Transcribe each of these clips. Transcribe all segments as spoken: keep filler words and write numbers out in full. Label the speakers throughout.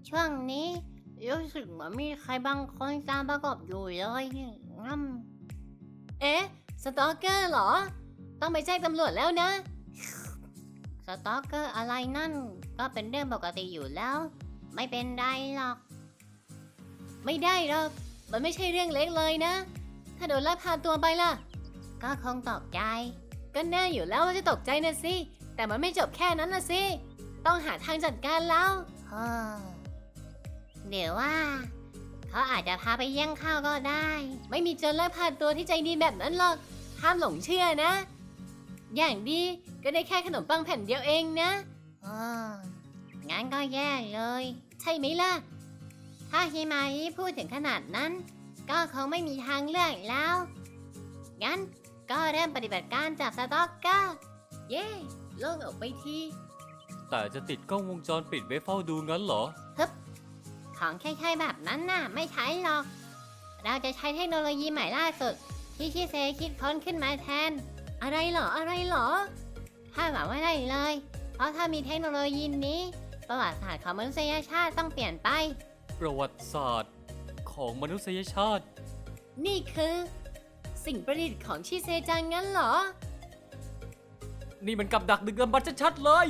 Speaker 1: ช่วงนี้รู้สึกเหมือนมีใครบางคนตามประกบอยู่เลยงั้มเอ๊ะสตอกเกอร์เหรอต้องไปแจ้งตำรวจแล้วนะสตอกเกอร์อะไรนั่นก็เป็นเรื่องปกติอยู่แล้วไม่เป็นไรหรอกไม่ได้หรอกมันไม่ใช่เรื่องเล็กเลยนะถ้าโดนลักพาตัวไปล่ะก็คงตกใจก็แน่อยู่แล้วว่าจะตกใจนะสิแต่มันไม่จบแค่นั้นนะสิต้องหาทางจัดการแล้วเฮ้อเดี๋ยวว่าเขาอาจจะพาไปแย่งข้าวก็ได้ไม่มีโจรลักพาตัวที่ใจดีแบบนั้นหรอกห้ามหลงเชื่อนะอย่างดีก็ได้แค่ขนมปังแผ่นเดียวเองนะเอองั้นก็แย่เลยใช่ไหมล่ะถ้าฮิมาริพูดถึงขนาดนั้นก็คงไม่มีทางเลือกแล้วงั้นก็เริ่มปฏิบัติการจับสต็อกเกอร์เย่โล่งออกไปที
Speaker 2: แต่จะติดกล้องวงจรปิดไว้เฝ้าดูงั้นเหรอ
Speaker 1: ฮึบของคล้ายๆแบบนั้นน่ะไม่ใช้หรอกเราจะใช้เทคโนโลยีใหม่ล่าสุดที่ชิเซคิดค้นขึ้นมาแทนอะไรเหรออะไรเหรอถ้าหวังว่าได้เลยเพราะถ้ามีเทคโนโลยีนี้ประวัติศาสตร์ของมนุษยชาติต้องเปลี่ยนไป
Speaker 2: ประวัติศาสตร์ของมนุษยชาติ
Speaker 1: นี่คือสิ่งประดิษฐ์ของชิเซจังงั้นเหรอ
Speaker 2: นี่มันกับดักดึกดำบรรพ์ชัดๆเลย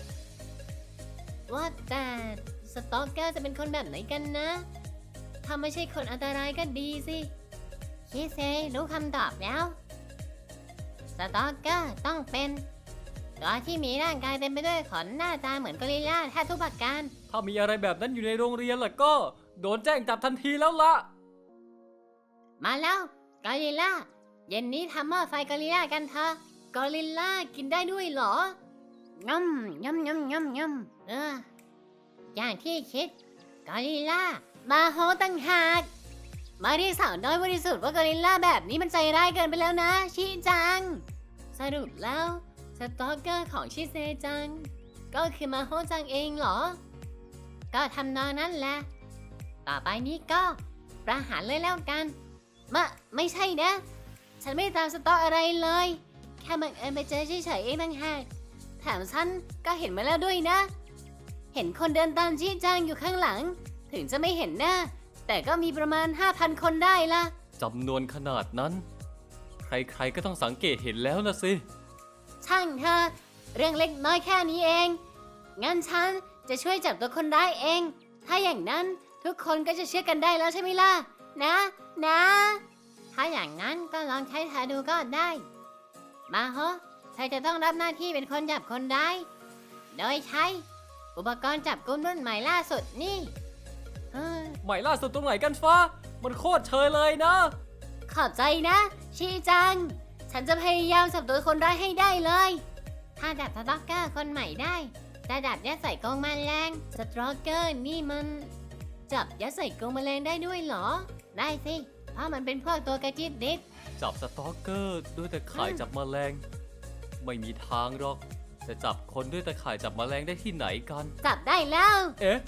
Speaker 1: ว่าแต่สตอกเกอร์จะเป็นคนแบบไหนกันนะถ้าไม่ใช่คนอันตรายก็ดีสิชิเซรู้คำตอบแล้วสตอกเกอร์ต้องเป็นตัวที่มีร่างกายเต็มไปด้วยขนหน้าตาเหมือนกอริลลาแทบทุกประการ
Speaker 2: ถ้ามีอะไรแบบนั้นอยู่ในโรงเรียนล่ะก็โดนแจ้งจับทันทีแล้วล่ะ
Speaker 1: มาแล้วกอริลลาเย็นนี้ทำหม้อไฟกอริลลากันเถอะกอริลลากินได้ด้วยเหรองำงำงำงำงำเอออย่างที่คิดกอริลลามาโฮตั้งหากมาที่สาวน้อยบริสุทธิ์ว่ากอริลลาแบบนี้มันใจร้ายเกินไปแล้วนะชิจังสรุปแล้วสตอกเกอร์ของชิเซจังก็คือมาโฮจังเองเหรอก็ทำนองนั้นแหละต่อไปนี้ก็ประหารเลยแล้วกันมะไม่ใช่นะฉันไม่ตามสตอกอะไรเลยแค่บังเอิญไปเจอเฉยๆเองต่างหากแถมฉันก็เห็นมาแล้วด้วยนะเห็นคนเดินตามชิจังอยู่ข้างหลังถึงจะไม่เห็นหน้าแต่ก็มีประมาณ ห้าพัน คนได้ละ
Speaker 2: จำนวนขนาดนั้นใครๆก็ต้องสังเกตเห็นแล้วนะสิ
Speaker 1: ช่างเธอเรื่องเล็กน้อยแค่นี้เองงั้นฉันจะช่วยจับตัวคนร้ายเองถ้าอย่างนั้นทุกคนก็จะเชื่อกันได้แล้วใช่ไหมล่ะนะนะถ้าอย่างนั้นก็ลองใช้เธอดูก็ได้มาโฮเธอจะต้องรับหน้าที่เป็นคนจับคนร้ายโดยใช้อุปกรณ์จับกุมรุ่นใหม่ล่าสุดนี่
Speaker 2: ใหม่ล่าสุดตรงไหนกันฟ้ามันโคตรเชยเลยนะ
Speaker 1: ขอบใจนะชิจังฉันจะพยายามจับตัวคนร้ายให้ได้เลยถ้าจับสตอกเกอร์คนใหม่ได้จะจับยัดใส่กรงแมลงสตอกเกอร์นี่มันจับยัดใส่กรงแมลงได้ด้วยเหรอได้สิเพราะมันเป็นพวกตัวกระจิตดิด
Speaker 2: จับสตอกเกอร์ด้วยแต่ข่ายจับแมลงไม่มีทางหรอกจะจับคนด้วยแต่ข่ายจับแมลงได้ที่ไหนกัน
Speaker 1: จับได้แล้ว
Speaker 2: เอ๊ะ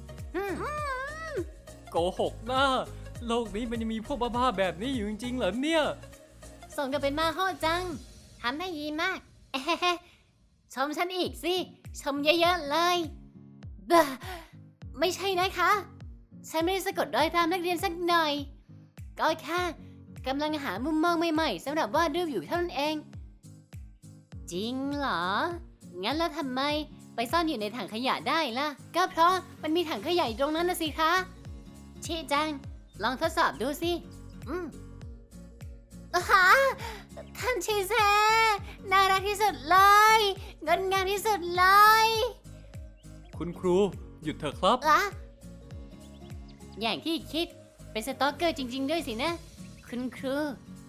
Speaker 2: โกหกหน้าโลกนี้มันยังมีพวกบ้าๆแบบนี้อยู่จริงๆเหรอเนี่ย
Speaker 1: สมกับเป็นมาโฮจังทำได้ดีมากเอ๊ะชมฉันอีกสิชมเยอะๆเลยบ้าไม่ใช่นะคะฉันไม่ได้สะกดรอยตามนักเรียนสักหน่อยก็แค่กำลังหามุมมองใหม่ๆสำหรับวาดรูปอยู่เท่านั้นเองจริงเหรองั้นแล้วทำไมไปซ่อนอยู่ในถังขยะได้ล่ะก็เพราะมันมีถังขยะอยู่ตรงนั้นนะสิคะชิจังลองทดสอบดูสิอืมฮะท่านชิเซน่ารักที่สุดเลยงดงามที่สุดเลย
Speaker 2: คุณครูหยุดเถอะครับ
Speaker 1: อะอย่างที่คิดเป็นสตอกเกอร์จริงๆด้วยสินะคุณครู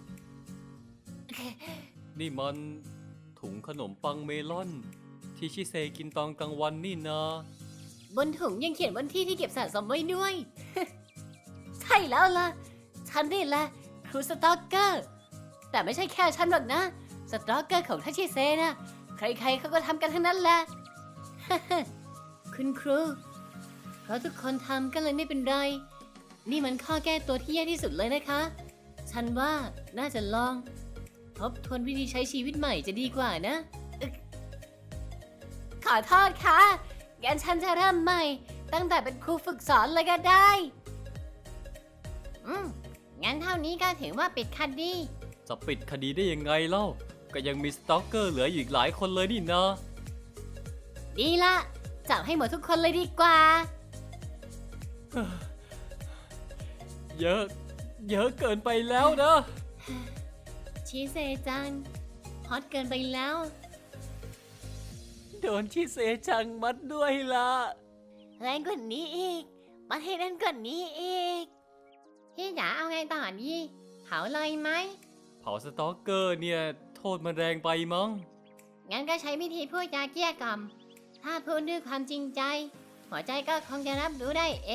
Speaker 2: นี่มันถุงขนมปังเมลอนที่ชิเซกินตอนกลางวันนี่นา
Speaker 1: บนถุงยังเขียนวันที่ที่เก็บสะสมไว้ด้วย ใช่แล้วล่ะฉันนี่แหละครูสตอกเกอร์แต่ไม่ใช่แค่ฉันหรอกนะสตอกเกอร์ของท่านชิเซนะใครๆเขาก็ทำกันทั้งนั้นแหละ คุณครูเพราะทุกคนทำก็เลยไม่เป็นไรนี่มันข้อแก้ตัวที่แย่ที่สุดเลยนะคะฉันว่าน่าจะลองทบทวนวิธีใช้ชีวิตใหม่จะดีกว่านะขอโทษค่ะงั้นฉันจะเริ่มใหม่ตั้งแต่เป็นครูฝึกสอนเลยก็ได้ อืม งั้นเท่านี้ก็ถือว่าปิดคดี
Speaker 2: จะปิดคดีได้ยังไงเล่า ก็ยังมีสตอกเกอร์เหลืออยู่อีกหลายคนเลยนี่นะ
Speaker 1: ดีละจับให้หมดทุกคนเลยดีกว่า
Speaker 2: เยอะ เยอะเกินไปแล้วนะ
Speaker 1: ชิเซจังฮอตเกินไปแล้ว
Speaker 2: โดนชิเซจังมัดด้วยล่ะ
Speaker 1: แรงกว่านี้อีกมาให้แรงกว่านี้อีก พี่จ๋าเอาไงต่อดีเผาเลยไหม
Speaker 2: เผาสตอกเกอร์เนี่ย โทษมันแรงไปมั้ง
Speaker 1: งั้นก็ใช้วิธีพูดจาเกลี้ยกล่อมถ้าพูดด้วยความจริงใจ หัวใจก็คงจะรับรู้ได้เอง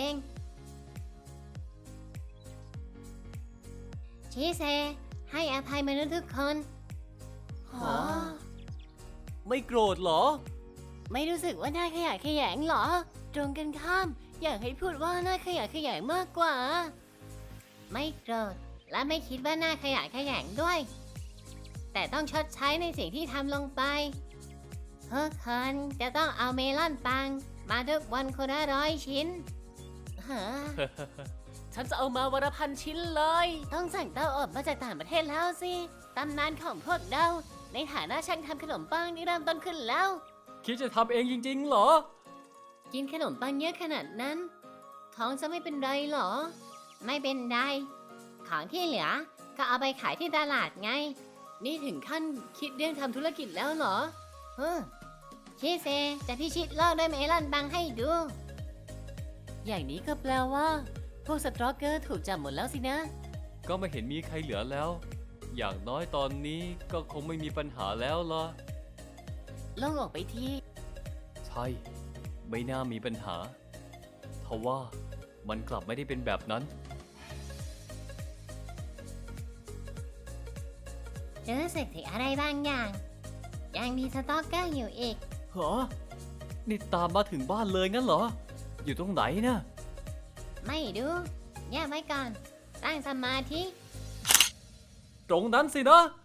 Speaker 1: ชิเซ ให้อภัยมนุษย์ทุกคน
Speaker 2: ฮะ ไม่โกรธเหรอ
Speaker 1: ไม่รู้สึกว่าน่าขยะแขยงเหรอ ตรงกันข้าม อยากให้พูดว่าน่าขยะแขยงมากกว่า ไม่โกรธและไม่คิดว่าน่าขยะแขยงด้วย แต่ต้องชดใช้ในสิ่งที่ทำลงไปทุกคนจะต้องเอาเมลอนปัง มาทุกวันคนละร้อยชิ้นฮะ
Speaker 2: ฉันจะเอามาวันละพันชิ้นเลย
Speaker 1: ต้องสั่งเต้าอบมาจากต่างประเทศแล้วสิ ตำนานของพวกเรา ในฐานะช่างทำขนมปังที่เริ่มต้นขึ้นแล้ว
Speaker 2: คิดจะทำเองจริงๆเหรอ
Speaker 1: กินขนมปังเยอะขนาดนั้น ท้องจะไม่เป็นไรเหรอ ไม่เป็นไร ของที่เหลือ ก็เอาไปขายที่ตลาดไง นี่ถึงขั้นคิดเรื่องทำธุรกิจแล้วเหรอเฮ้อชิเซจะพิชิตโลกด้วยเมลอนปังให้ดู อย่างนี้ก็แปลว่า พวกสตรอกเกอร์ถูกจับหมดแล้วสินะ
Speaker 2: ก็ไม่เห็นมีใครเหลือแล้ว อย่างน้อยตอนนี้ก็คงไม่มีปัญหาแล้วล่ะ
Speaker 1: โล่งออกไปที
Speaker 2: ใช่ ไม่น่ามีปัญหาทว่ามันกลับไม่ได้เป็นแบบนั้น
Speaker 1: รู้สึกถึงอะไรบางอย่าง ยังมีสตอกเกอร์อยู่อีก
Speaker 2: เหรอ นี่ตามมาถึงบ้านเลยงั้นเหรอ อยู่ตรงไหนนะ
Speaker 1: ไม่ดูเงียบไว้ก่อน ตั้งสมาธิ
Speaker 2: ตรงนั้นสินะ